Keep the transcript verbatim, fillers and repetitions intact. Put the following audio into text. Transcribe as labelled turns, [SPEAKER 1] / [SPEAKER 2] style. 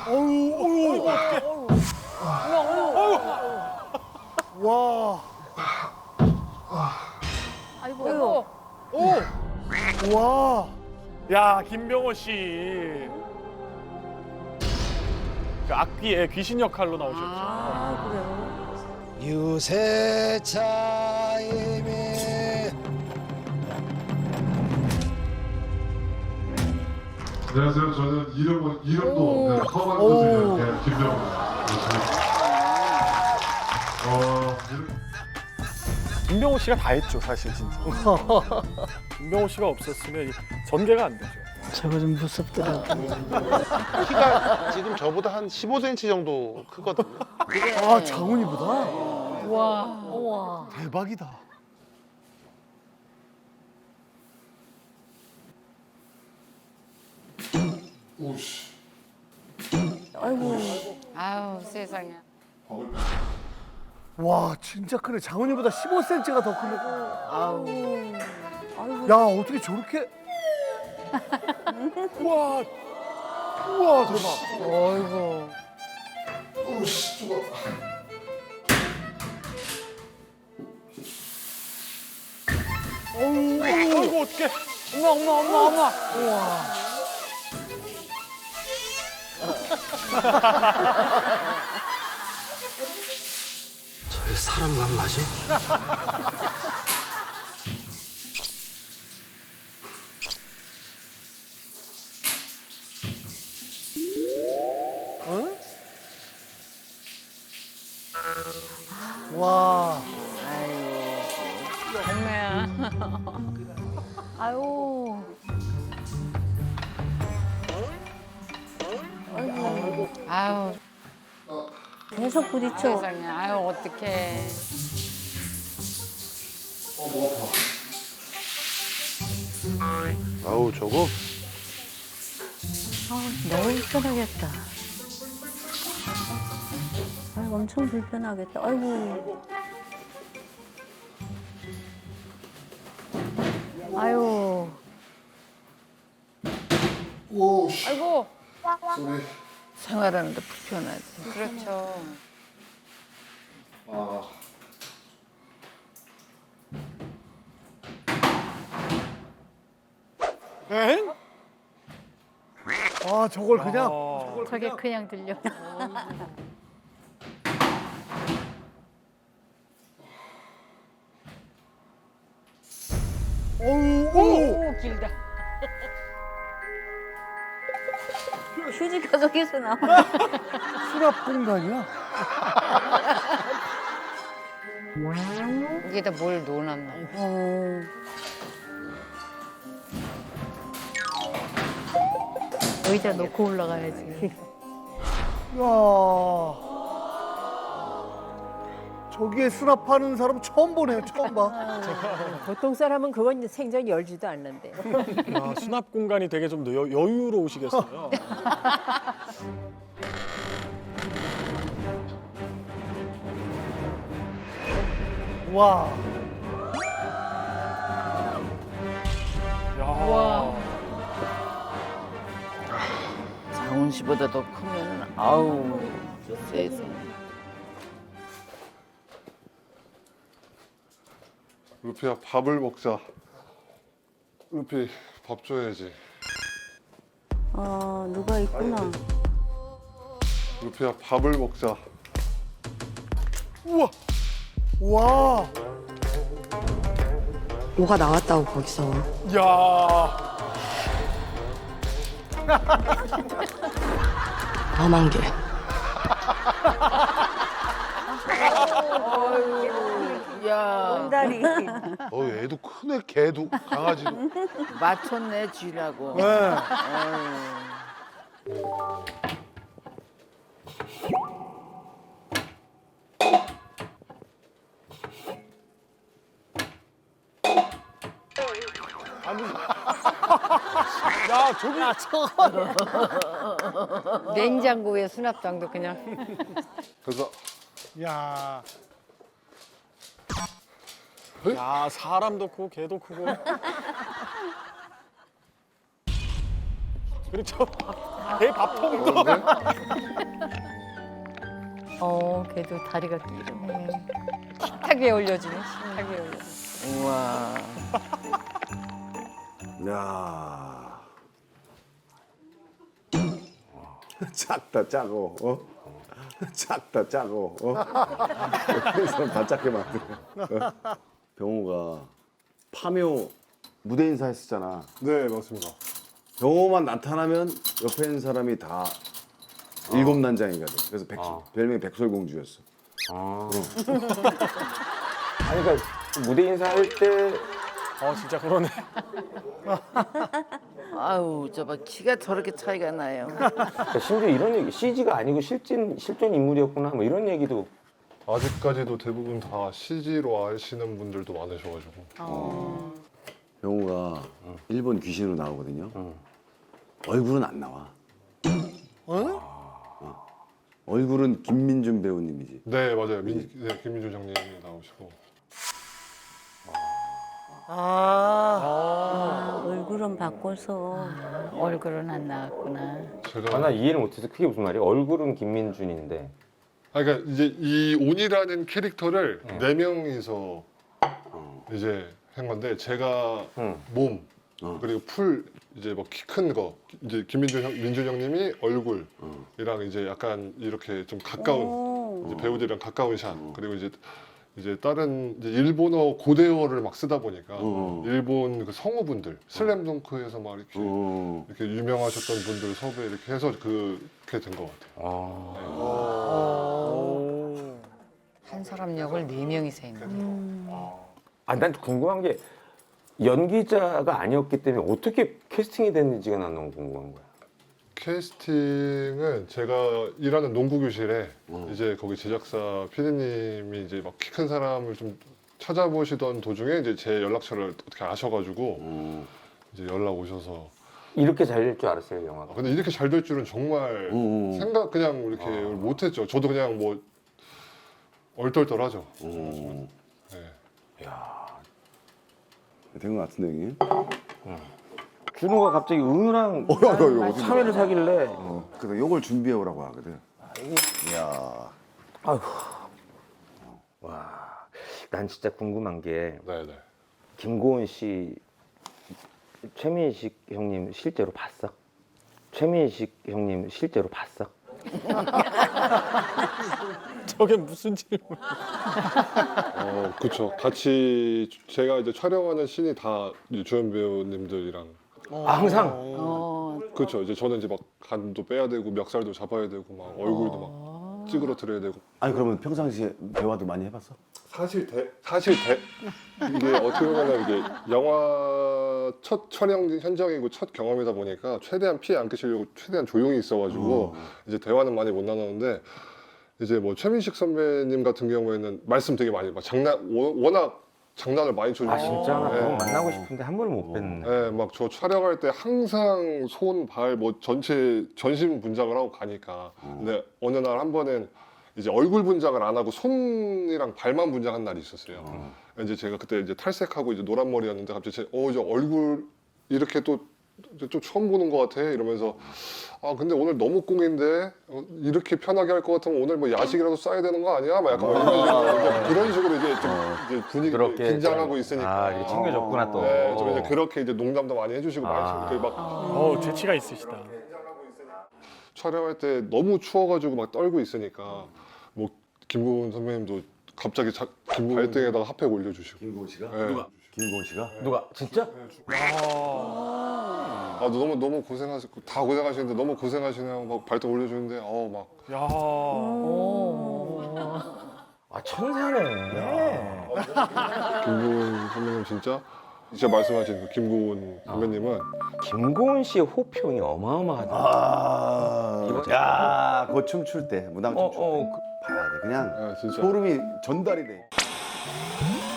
[SPEAKER 1] 어우, 어우, 와,
[SPEAKER 2] 아이고, 아이고.
[SPEAKER 1] 오, 와. 야, 김병호 씨. 그 악귀의 귀신 역할로 나오셨죠.
[SPEAKER 2] 아, 그래요?
[SPEAKER 3] 유세차임이
[SPEAKER 4] 안녕하세요. 저는 이름은 이름도
[SPEAKER 2] 오.
[SPEAKER 4] 없는 험한
[SPEAKER 1] 오.
[SPEAKER 4] 곳에 네, 김병호입니다. 어, 이름-
[SPEAKER 1] 김병호 씨가 다 했죠, 사실 진짜. 김병호 씨가 없었으면 이 전개가 안 되죠.
[SPEAKER 5] 저거 좀 무섭더라고.
[SPEAKER 6] 키가 지금 저보다 한 십오 센티미터 정도 크거든요.
[SPEAKER 1] 아, 장훈이보다?
[SPEAKER 2] 와, 우와.
[SPEAKER 1] 대박이다.
[SPEAKER 4] 오씨.
[SPEAKER 2] 아이고.
[SPEAKER 7] 아유 세상에.
[SPEAKER 1] 와, 진짜 크네. 장훈이보다 십오 센티미터가 더 크네.
[SPEAKER 2] 아우. 아이고.
[SPEAKER 1] 야, 어떻게 저렇게. 우와. 우와, 대박.
[SPEAKER 2] 아이고.
[SPEAKER 4] 오씨. 죽어.
[SPEAKER 1] 어우, 아이고, 어떡해.
[SPEAKER 2] 어머, 어머, 어머, 어머.
[SPEAKER 3] 저 사람만 맞아?
[SPEAKER 1] 와.
[SPEAKER 7] 엄마야.
[SPEAKER 2] 아유.
[SPEAKER 7] 아유
[SPEAKER 2] 계속 부딪혀.
[SPEAKER 7] 세상에. 아유 어떡해.
[SPEAKER 6] 아우 저거
[SPEAKER 2] 아, 너무 불편하겠다. 아이고, 엄청 불편하겠다. 아이고. 아유.
[SPEAKER 4] 오씨.
[SPEAKER 7] 아이고
[SPEAKER 4] 소리.
[SPEAKER 7] 생활하는데 불편하지. 그렇죠.
[SPEAKER 4] 아.
[SPEAKER 1] 엥? 아, 저걸 그냥.
[SPEAKER 2] 저게 그냥 들려.
[SPEAKER 1] 어우, 오!
[SPEAKER 7] 오 길다.
[SPEAKER 2] 휴지가 저기서 나와.
[SPEAKER 1] 수납 공간이야?
[SPEAKER 7] 여기다 뭘 넣어놨나.
[SPEAKER 2] 어. 의자 놓고 올라가야지.
[SPEAKER 1] 야. 저기에 수납하는 사람 처음 보네요, 처음 봐.
[SPEAKER 8] 보통 사람은 그건 생전 열지도 않는데.
[SPEAKER 1] 야, 수납 공간이 되게 좀 여, 여유로우시겠어요. 와. 야.
[SPEAKER 7] 와. 장훈 씨보다 더 크면 아우 세상에.
[SPEAKER 4] 루피야 밥을 먹자. 루피 밥 줘야지.
[SPEAKER 2] 아, 누가 있구나.
[SPEAKER 4] 루피야 밥을 먹자.
[SPEAKER 1] 우와. 와.
[SPEAKER 8] 뭐가 나왔다고 거기서.
[SPEAKER 1] 야.
[SPEAKER 8] 험한 게.
[SPEAKER 7] 야
[SPEAKER 2] 다리.
[SPEAKER 6] 어 애도 크네 개도 강아지도.
[SPEAKER 7] 맞췄네 쥐라고.
[SPEAKER 1] 네. 야, 저기. 야, 저거.
[SPEAKER 7] 냉장고에 수납장도 그냥.
[SPEAKER 4] 그래서
[SPEAKER 1] 야. 야, 사람도 크고 개도 크고. 그렇죠. 배 밥통도.
[SPEAKER 2] 어, 걔도 다리가 길어. 식탁 위에 올려주네. 식탁 위에 올려.
[SPEAKER 7] 우와.
[SPEAKER 9] 야. 작다 짜고 어? 작다 짜고 어? 이 사람 다 작게 만드네. 어? 병호가 파묘 무대 인사 했었잖아.
[SPEAKER 4] 네 맞습니다.
[SPEAKER 9] 병호만 나타나면 옆에 있는 사람이 다 일곱 난장이가 돼. 그래서 백, 별명이 백설공주였어.
[SPEAKER 10] 아. 아니 그러니까 무대 인사할 때
[SPEAKER 1] 어 진짜 그러네.
[SPEAKER 7] 아우 저봐 키가 저렇게 차이가 나요.
[SPEAKER 10] 그러니까 심지어 이런 얘기 씨지가 아니고 실진 실존 인물이었구나 뭐 이런 얘기도
[SPEAKER 4] 아직까지도 대부분 다 씨지로 아시는 분들도 많으셔가지고.
[SPEAKER 9] 병호가 일본 귀신으로 나오거든요. 얼굴은 안 나와. 어? 얼굴은 김민준 배우님이지.
[SPEAKER 4] 네 맞아요. 민, 네, 김민주 장님이 나오시고.
[SPEAKER 2] 아,
[SPEAKER 5] 얼굴은 바꿔서
[SPEAKER 2] 얼굴은 안 나왔구나.
[SPEAKER 4] 제가
[SPEAKER 10] 아, 나 이해를 못해서 그게 무슨 말이야? 얼굴은 김민준인데
[SPEAKER 4] 아, 그러니까 이제 이 온이라는 캐릭터를
[SPEAKER 10] 응.
[SPEAKER 4] 네 명이서 이제 한 건데 제가
[SPEAKER 10] 응.
[SPEAKER 4] 몸
[SPEAKER 9] 어.
[SPEAKER 4] 그리고 풀 이제 뭐 키 큰 거 이제 김민준 형, 민준 형님이 얼굴이랑 이제 약간 이렇게 좀 가까운 이제 배우들이랑 가까운 샷 그리고 이제 이제 다른 이제 일본어 고대어를 막 쓰다 보니까
[SPEAKER 9] 어.
[SPEAKER 4] 일본 그 성우분들 슬램덩크에서 막 이렇게
[SPEAKER 9] 어.
[SPEAKER 4] 이렇게 유명하셨던 분들 섭외 이렇게 해서 그렇게 된 것 같아요.
[SPEAKER 10] 아,
[SPEAKER 7] 한 사람 역을 네 명이서 했는데.
[SPEAKER 10] 아, 난 궁금한 게 연기자가 아니었기 때문에 어떻게 캐스팅이 됐는지가 난 너무 궁금한 거야.
[SPEAKER 4] 캐스팅은 제가 일하는 농구 교실에
[SPEAKER 9] 어.
[SPEAKER 4] 이제 거기 제작사 피디님이 이제 막 키 큰 사람을 좀 찾아보시던 도중에 이제 제 연락처를 어떻게 아셔가지고
[SPEAKER 9] 어.
[SPEAKER 4] 이제 연락 오셔서
[SPEAKER 10] 이렇게 잘 될 줄 알았어요,
[SPEAKER 4] 아,
[SPEAKER 10] 영화가.
[SPEAKER 4] 근데 이렇게 잘 될 줄은 정말
[SPEAKER 9] 어.
[SPEAKER 4] 생각 그냥 이렇게 못했죠. 저도 그냥 뭐 얼떨떨하죠.
[SPEAKER 9] 어.
[SPEAKER 4] 네.
[SPEAKER 9] 된 것 같은데 형님?
[SPEAKER 10] 준호가 갑자기 은우랑
[SPEAKER 9] 어, 야, 야, 야, 어디
[SPEAKER 10] 참외를 사길래
[SPEAKER 9] 어. 그래서 요걸 준비해 오라고 하거든. 이야.
[SPEAKER 10] 와, 난 진짜 궁금한 게
[SPEAKER 4] 네, 네.
[SPEAKER 10] 김고은 씨, 최민식 형님 실제로 봤어? 최민식 형님 실제로 봤어?
[SPEAKER 1] 저게 무슨 질문?
[SPEAKER 4] 어, 그쵸. 같이 제가 이제 촬영하는 씬이 다 이제 주연 배우님들이랑
[SPEAKER 10] 아, 항상?
[SPEAKER 7] 어,
[SPEAKER 4] 그렇죠. 이제 저는 이제 막 간도 빼야 되고 멱살도 잡아야 되고 막 얼굴도 막 찌그러뜨려야 되고.
[SPEAKER 9] 아니 그러면 평상시에 대화도 많이 해봤어?
[SPEAKER 4] 사실 대 사실 대 이게 어떻게 보면 이게 영화 첫 촬영 현장이고 첫 경험이다 보니까 최대한 피해 안 끼치려고 최대한 조용히 있어가지고 이제 대화는 많이 못 나누는데 이제 뭐 최민식 선배님 같은 경우에는 말씀 되게 많이 막 장난 워- 워낙 장난을 많이 쳐주고.
[SPEAKER 10] 아, 진짜? 나
[SPEAKER 4] 네.
[SPEAKER 10] 그거 만나고 싶은데 한 번을 못 뵀네.
[SPEAKER 4] 네, 막 저 촬영할 때 항상 손, 발, 뭐 전체 전신 분장을 하고 가니까. 근데 어느 날 한 번은 이제 얼굴 분장을 안 하고 손이랑 발만 분장한 날이 있었어요. 이제 제가 그때 이제 탈색하고 이제 노란 머리였는데 갑자기 제, 어, 저 얼굴 이렇게 또, 좀 처음 보는 것 같아 이러면서 아 근데 오늘 너무 꽁인데 어, 이렇게 편하게 할 것 같으면 오늘 뭐 야식이라도 싸야 되는 거 아니야? 막 약간 뭐 이런 식으로 이제 그런 식으로 이제 좀 이제 분위기
[SPEAKER 10] 그렇게
[SPEAKER 4] 긴장하고
[SPEAKER 10] 좀-
[SPEAKER 4] 있으니까.
[SPEAKER 10] 아, 이렇게 챙겨줬구나 또.
[SPEAKER 4] 네, 좀 이제 그렇게 이제 농담도 많이 해주시고
[SPEAKER 10] 아.
[SPEAKER 4] 말씀 막
[SPEAKER 1] 어 재치가 있으시다.
[SPEAKER 4] 촬영할 때 너무 추워가지고 막 떨고 있으니까 뭐 김고은 선배님도 갑자기 자, 김고은 발등에다가 핫팩 올려주시고.
[SPEAKER 9] 김고은 씨가?
[SPEAKER 4] 네.
[SPEAKER 9] 누가? 김고은 씨가?
[SPEAKER 10] 누가? 진짜?
[SPEAKER 4] 아 너무 너무 고생하시고 다 고생하시는데 너무 고생하시네요. 막 발등 올려주는데 어우 막
[SPEAKER 1] 야.
[SPEAKER 10] 아, 천사네.
[SPEAKER 4] 김고은 선배님 진짜 진짜 말씀하신 그 김고은 선배님은
[SPEAKER 10] 김고은 씨의 호평이 어마어마하다.
[SPEAKER 9] 아, 야, 그거 춤출 때, 무당
[SPEAKER 10] 어,
[SPEAKER 9] 춤출 때
[SPEAKER 10] 어, 그-
[SPEAKER 9] 봐야 돼. 그냥
[SPEAKER 4] 아, 진짜
[SPEAKER 9] 소름이 전달이 돼.